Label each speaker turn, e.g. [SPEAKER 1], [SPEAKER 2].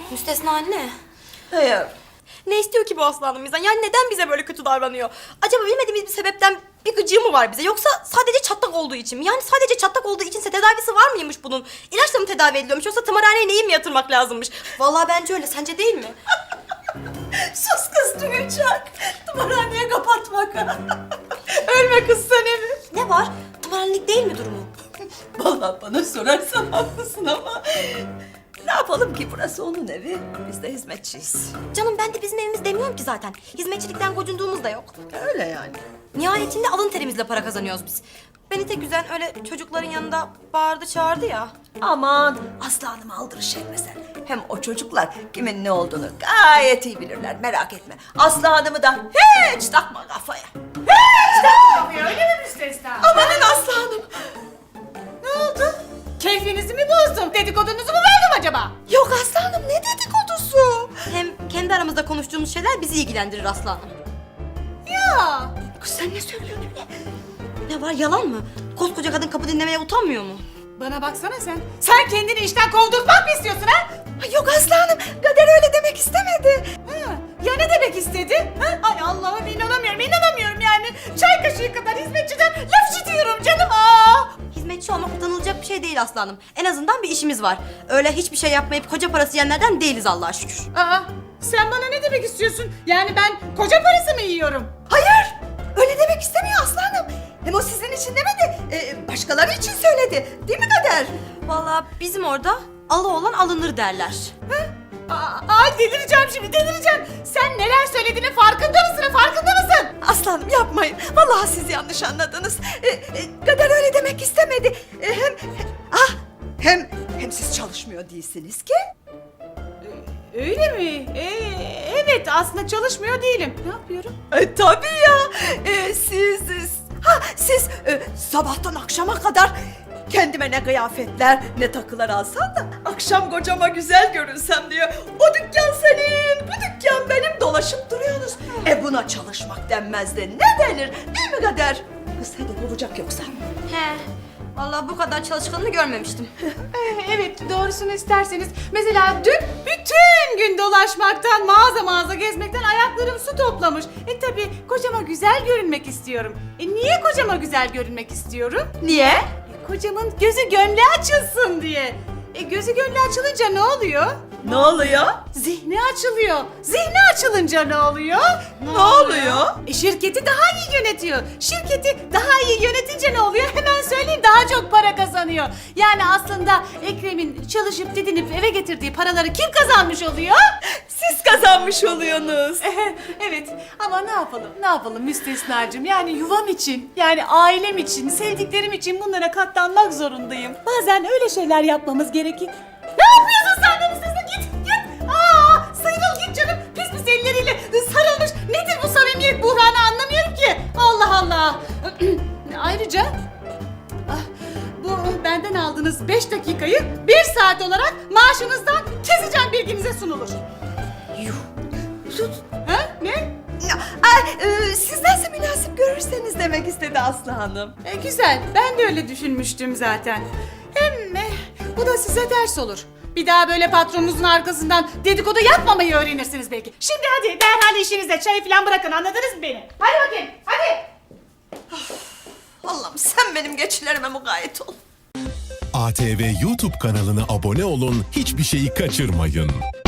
[SPEAKER 1] Müstesna anne.
[SPEAKER 2] Hayır.
[SPEAKER 1] Ne istiyor ki bu aslanım bizden? Yani neden bize böyle kötü davranıyor? Acaba bilmediğimiz bir sebepten bir gıcığı mı var bize? Yoksa sadece çatlak olduğu için mi? Yani sadece çatlak olduğu içinse tedavisi var mıymış bunun? İlaçla mı tedavi ediliyormuş yoksa tımarhaneye neyi mi yatırmak lazımmış? Vallahi bence öyle. Sence değil mi?
[SPEAKER 2] Sus kız duyacak. Tımarhaneye kapatmak. Ölme kız sen evi.
[SPEAKER 1] Ne var? Tımarhanelik değil mi durumu?
[SPEAKER 2] Vallahi bana sorarsan haklısın ama... Ne yapalım ki burası onun evi. Biz de hizmetçiyiz.
[SPEAKER 1] Canım ben de bizim evimiz demiyorum ki zaten. Hizmetçilikten gocunduğumuz da yok.
[SPEAKER 2] Öyle yani.
[SPEAKER 1] Nihayetinde alın terimizle para kazanıyoruz biz. Beni tek üzen öyle çocukların yanında bağırdı çağırdı ya.
[SPEAKER 2] Aman Aslı Hanım'ı aldırış etme sen. Hem o çocuklar kimin ne olduğunu gayet iyi bilirler, merak etme. Aslı Hanım'ı da hiç takma kafaya.
[SPEAKER 3] Öyle mi Müstesna?
[SPEAKER 2] Amanın Aslı Hanım.
[SPEAKER 3] Ne oldu? Keyfinizi mi bozdum? Dedikodunuzu mu verdim acaba?
[SPEAKER 2] Yok Aslı Hanım, ne dedikodusu?
[SPEAKER 1] Hem kendi aramızda konuştuğumuz şeyler bizi ilgilendirir Aslı Hanım.
[SPEAKER 3] Ya.
[SPEAKER 2] Kız sen ne söylüyorsun öyle?
[SPEAKER 1] Ne var, yalan mı? Koskoca kadın kapı dinlemeye utanmıyor mu?
[SPEAKER 3] Bana baksana sen. Sen kendini işten kovdurtmak mı istiyorsun ha?
[SPEAKER 2] Ay yok Aslı Hanım, Kader öyle demek istemedi.
[SPEAKER 3] Ha, ya ne demek istedi? Ha? Ay Allah'ım inanamıyorum yani. Çay kaşığı kadar hizmetçiden laf işitiyorum canım.
[SPEAKER 1] Hizmetçi olmak utanılacak bir şey değil Aslı Hanım. En azından bir işimiz var. Öyle hiçbir şey yapmayıp koca parası yiyenlerden değiliz Allah'a şükür.
[SPEAKER 3] Sen bana ne demek istiyorsun? Yani ben koca parası mı yiyorum?
[SPEAKER 2] Hayır, öyle demek istemiyor Aslı Hanım. Hem o sizin için demedi, başkaları için söyledi. Değil mi Kader?
[SPEAKER 1] Vallahi bizim orada alı olan alınır derler.
[SPEAKER 3] Ay delireceğim şimdi delireceğim. Sen neler söylediğinin farkında mısın?
[SPEAKER 2] Aslı Hanım yapmayın. Vallahi siz yanlış anladınız. Kader öyle demek istemedi. Hem siz çalışmıyor değilsiniz ki.
[SPEAKER 3] Öyle mi? Evet aslında çalışmıyor değilim. Ne yapıyorum?
[SPEAKER 2] Tabii ya. Siz sabahtan akşama kadar kendime ne kıyafetler ne takılar alsam da akşam kocama güzel görünsem diye o dükkan senin, bu dükkan benim dolaşıp duruyorsunuz. Buna çalışmak denmez de ne denir değil mi Kader? Kız hedef olacak yoksa.
[SPEAKER 1] He. Vallahi bu kadar çalışkanını görmemiştim.
[SPEAKER 3] Evet doğrusunu isterseniz. Mesela dün bütün gün dolaşmaktan mağaza gezmekten ayaklarım su toplamış. Tabii kocama güzel görünmek istiyorum. Niye kocama güzel görünmek istiyorum?
[SPEAKER 2] Niye?
[SPEAKER 3] Kocamın gözü gönlü açılsın diye. Gözü gönlü açılınca ne oluyor?
[SPEAKER 2] Ne oluyor?
[SPEAKER 3] Zihni açılıyor. Zihni açılınca ne oluyor?
[SPEAKER 2] Ne oluyor?
[SPEAKER 3] Şirketi daha iyi yönetiyor. Şirketi daha iyi yönetince ne oluyor? Hemen söyleyeyim, daha çok para kazanıyor. Yani aslında Ekrem'in çalışıp didinip eve getirdiği paraları kim kazanmış oluyor?
[SPEAKER 2] Siz kazanmış oluyorsunuz.
[SPEAKER 3] Evet ama ne yapalım Müstesnacığım, yani yuvam için, yani ailem için, sevdiklerim için bunlara katlanmak zorundayım. Bazen öyle şeyler yapmamız gerekir. Ne yapıyorsun sen de Müstesna? Git! Sıyrıl git canım, pis elleriyle sarılmış. Nedir bu samimiyet buhranı, anlamıyorum ki. Allah Allah. Ayrıca bu benden aldığınız 5 dakikayı 1 saat olarak maaşınızdan keseceğim, bilginize sunulur. Ha? Ne?
[SPEAKER 2] Siz nasıl münasip görürseniz demek istedi Aslı Hanım.
[SPEAKER 3] Güzel. Ben de öyle düşünmüştüm zaten. Hem bu da size ders olur. Bir daha böyle patronunuzun arkasından dedikodu yapmamayı öğrenirsiniz belki. Şimdi hadi derhal işinizde çayı falan bırakın, anladınız mı beni? Hadi bakayım, hadi.
[SPEAKER 2] Allah'ım sen benim geçilerime mukayyet ol.
[SPEAKER 4] ATV YouTube kanalına abone olun, hiçbir şeyi kaçırmayın.